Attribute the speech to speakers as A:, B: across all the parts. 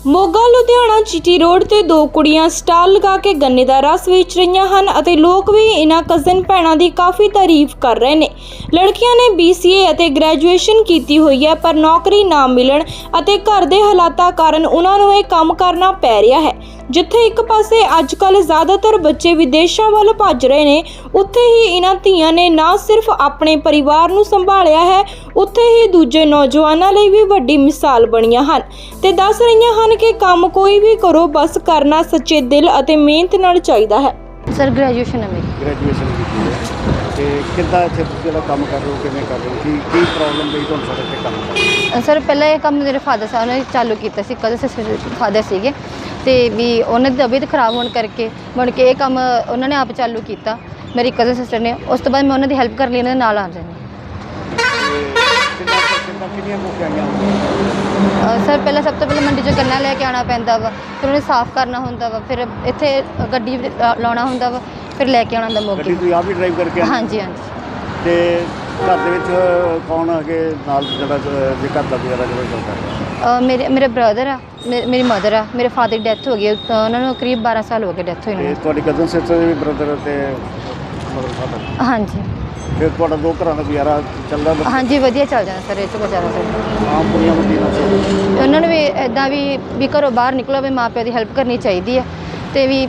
A: Moga Ludhiana GT road ਤੇ ਦੋ ਕੁੜੀਆਂ ਸਟਾਲ ਲਗਾ ਕੇ ਗੰਨੇ ਦਾ ਰਸ ਵੇਚ ਰਹੀਆਂ ਹਨ ਅਤੇ ਲੋਕ ਵੀ ਇਹਨਾਂ ਕਜ਼ਨ ਭੈਣਾਂ ਦੀ ਕਾਫੀ ਤਾਰੀਫ ਕਰ ਰਹੇ ਨੇ। ਲੜਕੀਆਂ ਨੇ BCA ਅਤੇ ਗ੍ਰੈਜੂਏਸ਼ਨ ਕੀਤੀ ਹੋਈ ਹੈ, ਪਰ ਨੌਕਰੀ ਨਾ ਮਿਲਣ ਅਤੇ ਘਰ ਦੇ ਹਾਲਾਤਾਂ ਕਾਰਨ ਉਹਨਾਂ ਨੂੰ ਇਹ ਕੰਮ ਕਰਨਾ ਪੈ ਰਿਹਾ ਹੈ। ਜਿੱਥੇ ਇੱਕ ਪਾਸੇ ਅੱਜ ਕੱਲ੍ਹ ਜ਼ਿਆਦਾਤਰ ਬੱਚੇ ਵਿਦੇਸ਼ਾਂ ਵੱਲ ਭੱਜ ਰਹੇ ਨੇ, ਉੱਥੇ ਹੀ ਇਹਨਾਂ ਧੀਆਂ ਨੇ ਨਾ ਸਿਰਫ ਆਪਣੇ ਪਰਿਵਾਰ ਨੂੰ ਸੰਭਾਲਿਆ ਹੈ, ਉੱਥੇ ਹੀ ਦੂਜੇ ਨੌਜਵਾਨਾਂ ਲਈ ਵੀ ਵੱਡੀ ਮਿਸਾਲ ਬਣੀਆਂ ਹਨ ਤੇ ਦੱਸ ਰਹੀਆਂ ਹਨ ਕਿ ਕੰਮ ਕੋਈ ਵੀ ਕਰੋ, ਬਸ ਕਰਨਾ ਸੱਚੇ ਦਿਲ ਅਤੇ ਮਿਹਨਤ ਨਾਲ ਚਾਹੀਦਾ ਹੈ।
B: ਸਰ ਗ੍ਰੈਜੂਏਸ਼ਨ ਹੈ ਮੇਰੀ।
C: ਗ੍ਰੈਜੂਏਸ਼ਨ ਕੀਤੀ ਹੈ ਤੇ ਕਿੱਦਾਂ ਇੱਥੇ ਤੁਸੀਂ ਜਿਹੜਾ ਕੰਮ ਕਰ ਰਹੇ ਹੋ, ਕਿਵੇਂ ਕਰ ਰਹੇ ਹੋ, ਕੀ ਪ੍ਰੋਬਲਮ ਲਈ ਤੁਹਾਨੂੰ ਸਾਡੇ ਤੇ ਕੰਮ ਕਰ?
B: ਸਰ ਪਹਿਲਾਂ ਇਹ ਕੰਮ ਮੇਰੇ ਫਾਦਰ ਸਾਹਿਬ ਨੇ ਚਾਲੂ ਕੀਤਾ ਸੀ, ਕਦੇ ਫਾਦਰ ਸੀਗੇ ਤੇ ਵੀ ਉਹਨਾਂ ਦੀ ਤਬੀਅਤ ਖਰਾਬ ਹੋਣ ਕਰਕੇ ਮੁੜ ਕੇ ਇਹ ਕੰਮ ਉਹਨਾਂ ਨੇ ਆਪ ਚਾਲੂ ਕੀਤਾ, ਮੇਰੀ ਕਜ਼ਨ ਸਿਸਟਰ ਨੇ। ਉਸ ਤੋਂ ਬਾਅਦ ਮੈਂ ਉਹਨਾਂ ਦੀ ਹੈਲਪ ਕਰ ਲਈ, ਉਹਨਾਂ ਦੇ ਨਾਲ ਆ ਜਾਂਦੀ। ਸਰ ਪਹਿਲਾਂ ਸਭ ਤੋਂ ਪਹਿਲਾਂ ਮੰਡੀ 'ਚੋਂ ਗੰਨਾ ਲੈ ਕੇ ਆਉਣਾ ਪੈਂਦਾ ਵਾ, ਫਿਰ ਉਹਨੂੰ ਸਾਫ਼ ਕਰਨਾ ਹੁੰਦਾ ਵਾ, ਫਿਰ ਇੱਥੇ ਗੱਡੀ ਲਾਉਣਾ ਹੁੰਦਾ ਵਾ, ਫਿਰ ਲੈ ਕੇ ਆਉਣਾ ਹੁੰਦਾ ਮੋਗੇ।
C: ਗੱਡੀ ਤੁਸੀਂ ਆਪ ਹੀ ਡਰਾਈਵ ਕਰਕੇ?
B: ਹਾਂਜੀ ਹਾਂਜੀ।
C: ਤੇ ਘਰ ਦੇ ਵਿੱਚ ਕੌਣ ਅੱਗੇ ਨਾਲ ਜਿਹੜਾ ਜੇ ਘਰ ਦਾ ਗੁਜ਼ਾਰਾ ਜਿਹੜਾ ਚੱਲਦਾ?
B: ਮੇਰੇ ਬ੍ਰਦਰ ਆ, ਮੇਰੀ ਮਦਰ ਆ, ਮੇਰੇ ਫਾਦਰ ਦੀ ਡੈਥ ਹੋ ਗਈ, ਉਹਨਾਂ ਨੂੰ ਕਰੀਬ 12 ਸਾਲ ਹੋ ਗਏ ਡੈਥ ਹੋਈ ਨੂੰ।
C: ਤੁਹਾਡੀ ਕਜ਼ਨ ਸਿਸਟਰ ਦੇ ਵੀ ਬ੍ਰਦਰ ਤੇ ਮਦਰ ਫਾਦਰ?
B: ਹਾਂਜੀ।
C: ਫਿਰ ਤੁਹਾਡਾ ਦੋ ਘਰਾਂ ਦਾ ਗੁਜ਼ਾਰਾ ਚੱਲਦਾ?
B: ਹਾਂਜੀ ਵਧੀਆ ਚੱਲ ਜਾਂਦਾ ਸਰ, ਇਹ 'ਚ ਗੁਜ਼ਾਰਾ ਸਰ।
C: ਆਮ ਕੁੜੀਆਂ ਨੂੰ
B: ਉਹਨਾਂ ਨੂੰ ਵੀ ਇੱਦਾਂ ਵੀ ਘਰੋਂ ਬਾਹਰ ਨਿਕਲੋ, ਵੀ ਮਾਂ ਪਿਓ ਦੀ ਹੈਲਪ ਕਰਨੀ ਚਾਹੀਦੀ ਹੈ ਤੇ ਵੀ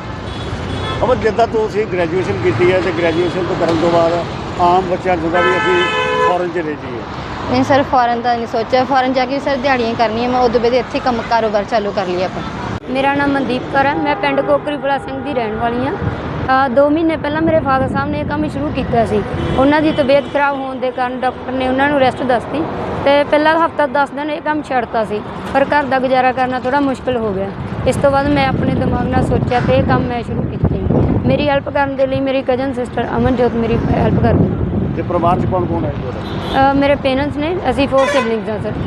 C: ਅਬ ਜਿੱਦਾਂ ਤੁਸੀਂ ਗ੍ਰੈਜੂਏਸ਼ਨ ਕੀਤੀ ਹੈ ਤੇ ਗ੍ਰੈਜੂਏਸ਼ਨ ਤੋਂ ਕਰਨ ਤੋਂ ਬਾਅਦ ਆਮ ਬੱਚਿਆਂ ਨੂੰ ਵੀ ਅਸੀਂ ਫੋਰਨ ਚਲੇ ਜਾਈਏ।
B: ਨਹੀਂ ਸਰ, ਫੋਰਨ ਦਾ ਨਹੀਂ ਸੋਚਿਆ, ਫੋਰਨ ਜਾ ਕੇ ਸਰ ਦਿਹਾੜੀਆਂ ਕਰਨੀਆਂ, ਮੈਂ ਉਦੋਂ ਬਾਅਦ ਇੱਥੇ ਕੰਮ ਕਾਰੋਬਾਰ ਚਾਲੂ ਕਰ ਲਿਆ ਆਪਣਾ।
D: ਮੇਰਾ ਨਾਮ ਮਨਦੀਪ ਕੌਰ ਹੈ, ਮੈਂ ਪਿੰਡ ਕੋਕਰੀ ਬੁਲਾ ਸਿੰਘ ਦੀ ਰਹਿਣ ਵਾਲੀ ਹਾਂ। 2 ਮਹੀਨੇ ਪਹਿਲਾਂ ਮੇਰੇ ਫਾਦਰ ਸਾਹਿਬ ਨੇ ਇਹ ਕੰਮ ਸ਼ੁਰੂ ਕੀਤਾ ਸੀ। ਉਹਨਾਂ ਦੀ ਤਬੀਅਤ ਖਰਾਬ ਹੋਣ ਦੇ ਕਾਰਨ ਡਾਕਟਰ ਨੇ ਉਹਨਾਂ ਨੂੰ ਰੈਸਟ ਦੱਸਤੀ ਤੇ ਪਹਿਲਾ ਹਫ਼ਤਾ 10 ਦਿਨ ਇਹ ਕੰਮ ਛੱਡਤਾ ਸੀ, ਪਰ ਘਰ ਦਾ ਗੁਜ਼ਾਰਾ ਕਰਨਾ ਥੋੜ੍ਹਾ ਮੁਸ਼ਕਿਲ ਹੋ ਗਿਆ। ਇਸ ਤੋਂ ਬਾਅਦ ਮੈਂ ਆਪਣੇ ਦਿਮਾਗ ਨਾਲ ਸੋਚਿਆ ਤੇ ਇਹ ਕੰਮ ਮੈਂ ਸ਼ੁਰੂ ਕੀਤਾ। ਮੇਰੀ ਹੈਲਪ ਕਰਨ ਦੇ ਲਈ ਮੇਰੀ ਕਜ਼ਨ ਸਿਸਟਰ ਅਮਨਜੋਤ ਮੇਰੀ ਹੈਲਪ ਕਰਦੀ।
C: ਤੇ ਪਰਿਵਾਰ 'ਚ ਕੌਣ ਕੌਣ ਹੈ ਤੁਹਾਡਾ?
D: ਮੇਰੇ ਪੇਰੈਂਟਸ ਨੇ, ਅਸੀਂ 4 ਸਿਬਲਿੰਗਸ ਹਾਂ ਸਰ।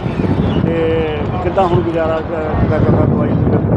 C: ਤੇ ਕਿੱਦਾਂ ਹੁਣ ਗੁਜ਼ਾਰਾ ਕਰਨਾ ਦਵਾਈ?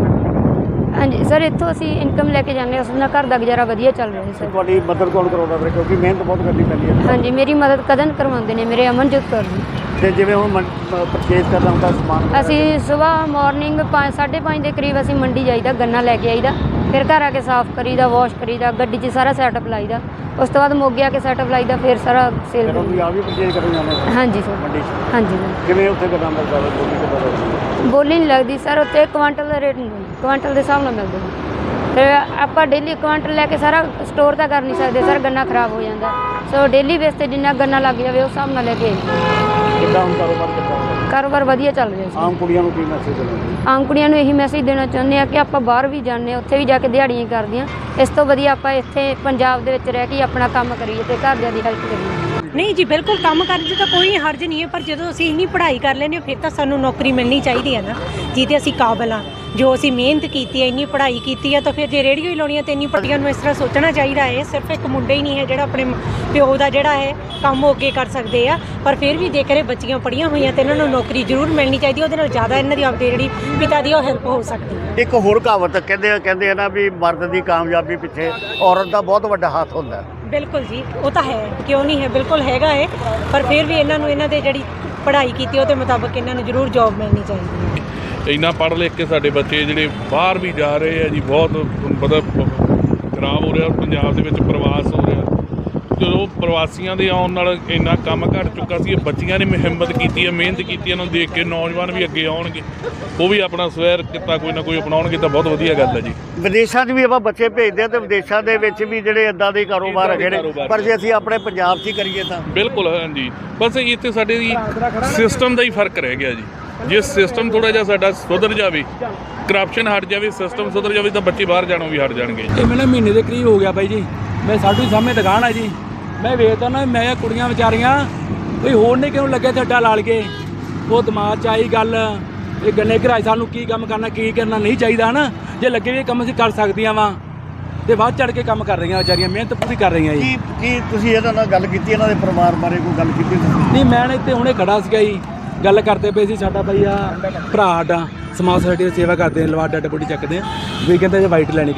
D: ਹਾਂਜੀ ਸਰ, ਇੱਥੋਂ ਅਸੀਂ ਇਨਕਮ ਲੈ ਕੇ ਜਾਂਦੇ ਹਾਂ, ਉਸ ਨਾਲ ਘਰ ਦਾ ਗੁਜ਼ਾਰਾ ਵਧੀਆ ਚੱਲ ਰਿਹਾ ਸਰ।
C: ਤੁਹਾਡੀ ਮਦਦ ਕੌਣ ਕਰਾਉਂਦਾ ਫਿਰ, ਕਿਉਂਕਿ ਮਿਹਨਤ ਬਹੁਤ ਕਰਨੀ ਪੈਂਦੀ ਹੈ?
D: ਹਾਂਜੀ, ਮੇਰੀ ਮਦਦ ਕਜ਼ਨ ਕਰਵਾਉਂਦੇ ਨੇ, ਮੇਰੇ ਅਮਨਜੋਤ ਕੌਰ ਜੀ।
C: ਤੇ ਜਿਵੇਂ ਹੁਣ ਪਰਚੇਜ਼ ਕਰਨਾ ਹੁੰਦਾ ਸਮਾਨ,
D: ਅਸੀਂ ਸਵੇਰ ਮਾਰਨਿੰਗ 5:30 ਦੇ ਕਰੀਬ ਅਸੀਂ ਮੰਡੀ ਜਾਈਦਾ, ਗੰਨਾ ਲੈ ਕੇ ਆਈਦਾ, ਫਿਰ ਘਰ ਆ ਕੇ ਸਾਫ਼ ਕਰੀਦਾ, ਵਾਸ਼ ਕਰੀਦਾ, ਗੱਡੀ 'ਚ ਸਾਰਾ ਸੈਟਅਪ ਲਾਈਦਾ, ਉਸ ਤੋਂ ਬਾਅਦ ਮੋਗੇ ਆ ਕੇ ਸੈਟਅਪ ਲਾਈਦਾ, ਫਿਰ ਸਾਰਾ ਸੇਲ।
C: ਤੁਸੀਂ ਆਪ ਵੀ ਪਰਚੇਜ਼ ਕਰਨ ਜਾਂਦੇ ਹੋ?
D: ਹਾਂਜੀ ਸਰ।
C: ਮੰਡੀ 'ਚ?
D: ਹਾਂਜੀ ਸਰ।
C: ਕਿਵੇਂ ਉੱਥੇ ਕਿੱਦਾਂ ਮਿਲਦਾ ਵਾ, ਬੋਲੀ ਕਿੱਦਾਂ ਲੱਗਦੀ?
D: ਬੋਲੀ ਨਹੀਂ ਲੱਗਦੀ ਸਰ, ਉੱਥੇ ਕੁਆਂਟਲ ਦਾ ਰੇਟ ਨਹੀਂ, ਕੁਆਂਟਲ ਦੇ ਹਿਸਾਬ ਨਾਲ ਮਿਲਦਾ। ਫਿਰ ਆਪਾਂ ਡੇਲੀ ਕੁਆਂਟਲ ਲੈ ਕੇ ਸਾਰਾ ਸਟੋਰ ਤਾਂ ਕਰ ਨਹੀਂ ਸਕਦੇ ਸਰ, ਗੰਨਾ ਖਰਾਬ ਹੋ ਜਾਂਦਾ, ਸੋ ਡੇਲੀ ਬੇਸ 'ਤੇ ਜਿੰਨਾ ਗੰਨਾ ਲੱਗ ਜਾਵੇ ਉਸ ਹਿਸਾਬ ਨਾਲ ਲੈ ਕੇ।
C: ਕਿੱਦਾਂ ਹੁਣ ਕਾਰੋਬਾਰ ਕਿੱਦਾਂ?
D: ਕਾਰੋਬਾਰ ਵਧੀਆ ਚੱਲ ਰਿਹਾ ਸੀ।
C: ਆਮ ਕੁੜੀਆਂ ਨੂੰ ਕੀ ਮੈਸੇਜ ਦੇਣਾ?
D: ਆਮ ਕੁੜੀਆਂ ਨੂੰ ਇਹੀ ਮੈਸੇਜ ਦੇਣਾ ਚਾਹੁੰਦੇ ਆ ਕਿ ਆਪਾਂ ਬਾਹਰ ਵੀ ਜਾਂਦੇ ਹਾਂ, ਉੱਥੇ ਵੀ ਜਾ ਕੇ ਦਿਹਾੜੀਆਂ ਕਰਦੀਆਂ, ਇਸ ਤੋਂ ਵਧੀਆ ਆਪਾਂ ਇੱਥੇ ਪੰਜਾਬ ਦੇ ਵਿੱਚ ਰਹਿ ਕੇ ਆਪਣਾ ਕੰਮ ਕਰੀਏ ਤੇ ਘਰਦਿਆਂ ਦੀ ਹੈਲਪ ਕਰੀਏ।
E: ਨਹੀਂ ਜੀ, ਬਿਲਕੁਲ ਕੰਮ ਕਰਨ 'ਚ ਤਾਂ ਕੋਈ ਹਰਜ ਨਹੀਂ ਹੈ, ਪਰ ਜਦੋਂ ਅਸੀਂ ਇੰਨੀ ਪੜ੍ਹਾਈ ਕਰ ਲੈਂਦੇ ਹਾਂ ਫਿਰ ਤਾਂ ਸਾਨੂੰ ਨੌਕਰੀ ਮਿਲਣੀ ਚਾਹੀਦੀ ਹੈ ਨਾ, ਜਿਹਦੇ ਅਸੀਂ ਕਾਬਲ ਹਾਂ। ਜੋ ਅਸੀਂ ਮਿਹਨਤ ਕੀਤੀ ਹੈ, ਇੰਨੀ ਪੜ੍ਹਾਈ ਕੀਤੀ ਹੈ, ਤਾਂ ਫਿਰ ਜੇ ਰੇਹੜੀਓ ਹੀ ਲਾਉਣੀ ਹੈ ਤਾਂ ਇੰਨੀ ਪੜ੍ਹਾਈਆਂ ਨੂੰ ਇਸ ਤਰ੍ਹਾਂ ਸੋਚਣਾ ਚਾਹੀਦਾ ਹੈ। ਸਿਰਫ ਇੱਕ ਮੁੰਡਾ ਹੀ ਨਹੀਂ ਹੈ ਜਿਹੜਾ ਆਪਣੇ ਪਿਓ ਦਾ ਜਿਹੜਾ ਹੈ ਕੰਮ ਉਹ ਅੱਗੇ ਕਰ ਸਕਦੇ ਆ, ਪਰ ਫਿਰ ਵੀ ਜੇਕਰ ਇਹ ਬੱਚੀਆਂ ਪੜ੍ਹੀਆਂ ਹੋਈਆਂ ਤਾਂ ਇਹਨਾਂ ਨੂੰ ਨੌਕਰੀ ਜ਼ਰੂਰ ਮਿਲਣੀ ਚਾਹੀਦੀ, ਉਹਦੇ ਨਾਲ ਜ਼ਿਆਦਾ ਇਹਨਾਂ ਦੀ ਆਪਣੀ ਜਿਹੜੀ ਪਿਤਾ ਦੀ ਉਹ ਹੈਲਪ ਹੋ ਸਕਦੀ ਹੈ।
C: ਇੱਕ ਹੋਰ ਕਹਾਵਤ ਕਹਿੰਦੇ ਆ ਨਾ ਵੀ ਮਰਦ ਦੀ ਕਾਮਯਾਬੀ ਪਿੱਛੇ ਔਰਤ ਦਾ ਬਹੁਤ ਵੱਡਾ ਹੱਥ ਹੁੰਦਾ।
E: ਬਿਲਕੁਲ ਜੀ, ਉਹ ਤਾਂ ਹੈ, ਕਿਉਂ ਨਹੀਂ ਹੈ, ਬਿਲਕੁਲ ਹੈਗਾ ਹੈ, ਪਰ ਫਿਰ ਵੀ ਇਹਨਾਂ ਨੂੰ ਇਹਨਾਂ ਦੇ ਜਿਹੜੀ ਪੜ੍ਹਾਈ ਕੀਤੀ ਉਹਦੇ ਮੁਤਾਬਕ ਇਹਨਾਂ ਨੂੰ ਜ਼ਰੂਰ ਜੋਬ ਮਿਲਣੀ ਚਾਹੀਦੀ ਹੈ।
F: ਇੰਨਾ ਪੜ੍ਹ ਲਿਖ ਕੇ ਸਾਡੇ ਬੱਚੇ ਜਿਹੜੇ ਬਾਹਰ ਵੀ ਜਾ ਰਹੇ ਆ ਜੀ, ਬਹੁਤ ਮਤਲਬ ਖਰਾਬ ਹੋ ਰਿਹਾ ਪੰਜਾਬ ਦੇ ਵਿੱਚ, ਪ੍ਰਵਾਸ ਹੋ ਰਿਹਾ। ਜਦੋਂ ਪ੍ਰਵਾਸੀਆਂ ਦੇ ਆਉਣ ਨਾਲ ਇੰਨਾ ਕੰਮ ਘੱਟ ਚੁੱਕਾ ਸੀ, ਇਹ ਬੱਚੀਆਂ ਨੇ ਹਿੰਮਤ ਕੀਤੀ ਹੈ, ਮਿਹਨਤ ਕੀਤੀ, ਇਹਨਾਂ ਨੂੰ ਦੇਖ ਕੇ ਨੌਜਵਾਨ ਵੀ ਅੱਗੇ ਆਉਣਗੇ, ਉਹ ਵੀ ਆਪਣਾ ਸਵੈਰ ਕਿੱਤਾ ਕੋਈ ਨਾ ਕੋਈ ਅਪਣਾਉਣਗੇ, ਤਾਂ ਬਹੁਤ ਵਧੀਆ ਗੱਲ ਹੈ ਜੀ।
C: ਵਿਦੇਸ਼ਾਂ 'ਚ ਵੀ ਆਪਾਂ ਬੱਚੇ ਭੇਜਦੇ ਹਾਂ ਤੇ ਵਿਦੇਸ਼ਾਂ ਦੇ ਵਿੱਚ ਵੀ ਜਿਹੜੇ ਇੱਦਾਂ ਦੇ ਕਾਰੋਬਾਰ ਹੈਗੇ ਨੇ, ਪਰ ਜੇ ਅਸੀਂ ਆਪਣੇ ਪੰਜਾਬ 'ਚ ਹੀ ਕਰੀਏ ਤਾਂ?
F: ਬਿਲਕੁਲ ਹਾਂਜੀ, ਬਸ ਇੱਥੇ ਸਾਡੇ ਸਿਸਟਮ ਦਾ ਹੀ ਫਰਕ ਰਹਿ ਗਿਆ ਜੀ। ਜੇ ਸਿਸਟਮ ਥੋੜ੍ਹਾ ਜਿਹਾ ਸਾਡਾ ਸੁਧਰ ਜਾਵੇ, ਕਰਪਸ਼ਨ ਹਟ ਜਾਵੇ, ਸਿਸਟਮ ਸੁਧਰ ਜਾਵੇ, ਤਾਂ ਬੱਚੇ ਬਾਹਰ ਜਾਣੋਂ ਵੀ ਹਟ ਜਾਣਗੇ।
G: ਇਹ ਮੈਨੂੰ ਮਹੀਨੇ ਦੇ ਕਰੀਬ ਹੋ ਗਿਆ ਬਾਈ ਜੀ, ਮੈਂ ਸਾਡੂ ਸਾਹਮਣੇ ਦੁਕਾਨ ਹੈ ਜੀ, ਮੈਂ ਵੇਖਦਾ ਨਾ, ਮੈਂ ਕੁੜੀਆਂ ਵਿਚਾਰੀਆਂ ਕੋਈ ਹੋਰ ਨਹੀਂ ਕਿਉਂ ਲੱਗਿਆ ਤੇ ਅੱਡਾ ਲਾਲ ਕੇ, ਉਹ ਦਿਮਾਗ 'ਚ ਆਈ ਗੱਲ, ਇਹ ਗੰਨੇ ਘਰਾਏ ਸਾਨੂੰ ਕੀ ਕੰਮ ਕਰਨਾ, ਕੀ ਕਰਨਾ ਨਹੀਂ ਚਾਹੀਦਾ ਨਾ, ਜੇ ਲੱਗੇ ਵੀ ਕੰਮ ਅਸੀਂ ਕਰ ਸਕਦੀਆਂ ਵਾ, ਤੇ ਵੱਧ ਚੜ ਕੇ ਕੰਮ ਕਰ ਰਹੀਆਂ ਵਿਚਾਰੀਆਂ, ਮਿਹਨਤ ਪੂਰੀ ਕਰ ਰਹੀਆਂ ਜੀ।
C: ਕੀ ਤੁਸੀਂ ਇਹਨਾਂ ਨਾਲ ਗੱਲ ਕੀਤੀ, ਇਹਨਾਂ ਦੇ ਪਰਿਵਾਰ ਬਾਰੇ ਕੋਈ ਗੱਲ ਕੀਤੀ?
G: ਨਹੀਂ, ਮੈਂ ਇੱਥੇ ਹੁਣੇ ਖੜਾ ਸੀਗਾ ਜੀ, ਗੱਲ ਕਰਦੇ ਪਏ ਸੀ, ਸਾਡਾ ਬਾਈ ਆ ਭਰਾ ਸਾਡਾ ਸਮਾਜ ਸੋਸਾਇਟੀ ਦੀ ਸੇਵਾ ਕਰਦੇ, ਲਵਾ ਡੱਡ ਬੋਡੀ ਚੱਕਦੇ ਆ, ਵੀ ਕਹਿੰਦਾ ਜੇ ਵਾਈਟ ਲੈਣੀ,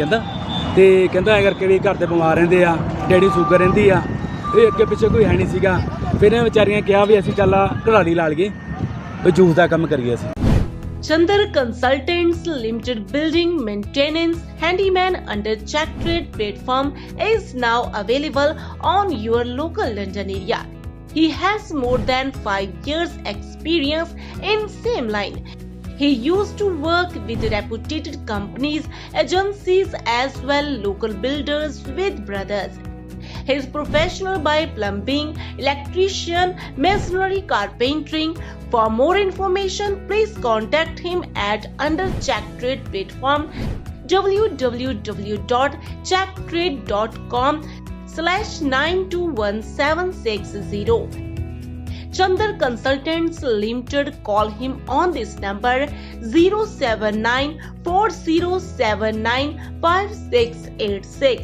G: ਤੇ ਕਹਿੰਦਾ ਐਂ ਕਰਕੇ ਵੀ ਘਰ ਦੇ ਬਿਮਾਰ ਰਹਿੰਦੇ ਆ, ਡੈਡੀ ਸ਼ੂਗਰ ਰਹਿੰਦੀ ਆ, ਇਹ ਅੱਗੇ ਪਿੱਛੇ ਕੋਈ ਹੈ ਨਹੀਂ ਸੀਗਾ। ਫਿਰ ਇਹ ਵਿਚਾਰੀਆਂ ਕਿਹਾ ਵੀ ਅਸੀਂ ਚੱਲ ਘੜਾਲੀ ਲਾ ਲਈਏ, ਵੀ ਜੂਸ ਦਾ ਕੰਮ ਕਰੀਏ ਅਸੀਂ।
H: Chandar Consultants Limited building maintenance handyman under Check Trade platform is now available on your local London area. He has more than 5 years experience in same line. He used to work with reputed companies, agencies as well local builders with brothers. He is professional by plumbing, electrician, masonry, carpentering. For more information, please contact him at under Check Trade platform www.checktrade.com/921760. Chandar Consultants Limited. Call him on this number 07940795686.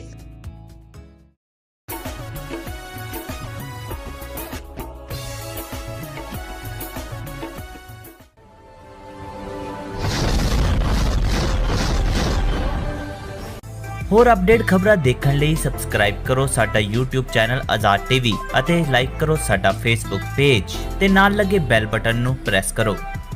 I: ਹੋਰ update ਖਬਰਾਂ ਦੇਖਣ ਲਈ subscribe ਕਰੋ ਸਾਡਾ YouTube channel Azad TV ਅਤੇ like ਕਰੋ ਸਾਡਾ Facebook page ਤੇ ਨਾਲ ਲੱਗੇ ਬੈਲ ਬਟਨ ਨੂੰ ਪ੍ਰੈਸ ਕਰੋ।